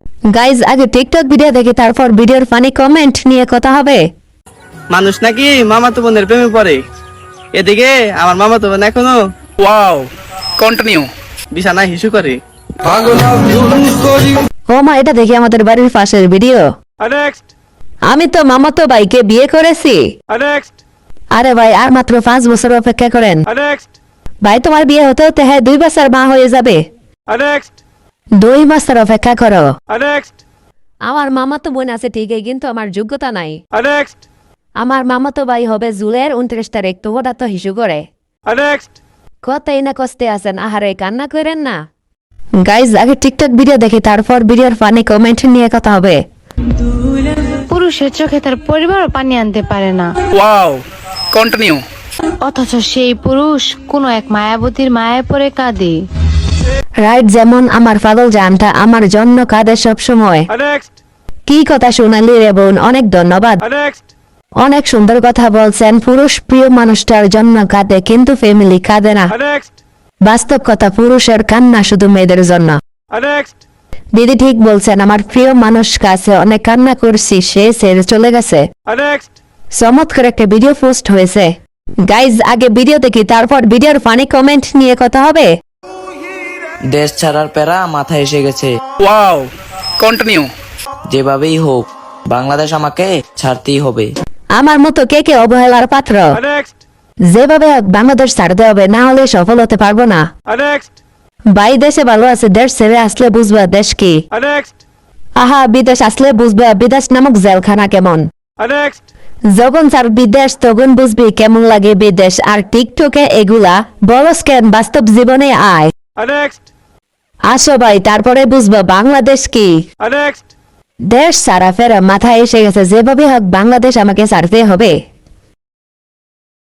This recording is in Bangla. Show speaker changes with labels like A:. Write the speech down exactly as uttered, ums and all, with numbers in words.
A: গাইজ আগে টিকটক ভিডিও দেখে তারপর ভিডিওর ফানি কমেন্ট নিয়ে কথা হবে।
B: মানুষ নাকি মামাতো বোনের প্রেমে পড়ে, এদিকে আমার মামাতো বোন এখনো
C: ওয়াও কন্টিনিউ
B: বিছানায় হিসু করে।
A: ও মা, এটা দেখি আমাদের বাড়ির পাশের ভিডিও।
B: নেক্সট
A: আমি তো মামাতো ভাইকে বিয়ে করেছি।
B: নেক্সট
A: আরে ভাই, আর মাত্র পাঁচ বছর অপেক্ষা করেন।
B: নেক্সট
A: ভাই, তোমার বিয়ে হতে হতে হ্যাঁ দুই বছর মা হয়ে যাবে।
B: নেক্সট
A: দুই বছর অপেক্ষা করো।
B: নেক্সট
A: আমার মামাতো বোন আছে ঠিকই, কিন্তু আমার যোগ্যতা নাই।
B: নেক্সট
A: আমার মামাতো ভাই হবে জুলাইয়ের উনত্রিশ তারিখ, তো ওটা তো হিসু করে।
B: নেক্সট
A: কতই না কষ্টে আছেন, আহারে কান্না করেন না। গাইজ আগে টিকটক ভিডিও দেখি তারপর ভিডিওর ফানি কমেন্ট নিয়ে কথা হবে।
D: পুরুষের চোখে তার পরিবারও পানি আনতে পারে না,
C: ওয়াও কন্টিনিউ
D: অথচ সেই পুরুষ কোনো এক মায়াবতীর মায়ায় পড়ে কাঁদে।
A: রাইট, যেমন আমার পাগল জানটা আমার জন্য কাঁদে সব সময়।
B: নেক্সট
A: কি কথা শোনালি রে বোন, অনেক ধন্যবাদ।
B: নেক্সট
A: অনেক সুন্দর কথা বলছেন। পুরুষ প্রিয় মানুষটার জন্য কাঁদে, কিন্তু ফ্যামিলি কাঁদে না।
B: নেক্সট
A: বাস্তব কথা, পুরুষের কান্না শুধু মেয়েদের জন্য।
B: নেক্সট
A: দিদি ঠিক বলছেন, আমার প্রিয় মানুষ কাছে অনেক কান্না করছি, সে ছেড়ে চলে গেছে।
B: নেক্সট
A: চমৎকার একটা ভিডিও পোস্ট হয়েছে। গাইজ আগে ভিডিও দেখি তারপর ভিডিওর ফানি কমেন্ট নিয়ে কথা হবে।
E: দেশ ছাড়ার প্যারা মাথায় এসে গেছে।
C: ওয়াও কন্টিনিউ
E: যেভাবেই হোক বাংলাদেশ আমাকে ছাড়তেই হবে।
A: আমার মতো কে কে অবহেলার পাত্র?
B: নেক্সট
A: যেভাবে হোক বাংলাদেশ ছাড়তে হবে, না হলে সফল হতে পারবো না।
B: নেক্সট
A: ভাই, দেশে ভালো আছে, দেশ ছেড়ে আসলে বুঝবা দেশ কি।
B: নেক্সট
A: আহা, বিদেশ আসলে বুঝবা বিদেশ নামক জেলখানা কেমন।
B: নেক্সট
A: যখন স্যার বিদেশ তখন বুঝবি কেমন লাগে বিদেশ। আর টিকটকে এগুলা বলস কেন, বাস্তব জীবনে আয়।
B: নেক্সট
A: আসো ভাই, তারপরে বুঝবা বাংলাদেশ কি।
B: নেক্সট
A: দেশ সারা ফেরা মাথায় এসে গেছে, যেভাবে হোক বাংলাদেশ আমাকে ছাড়তে হবে।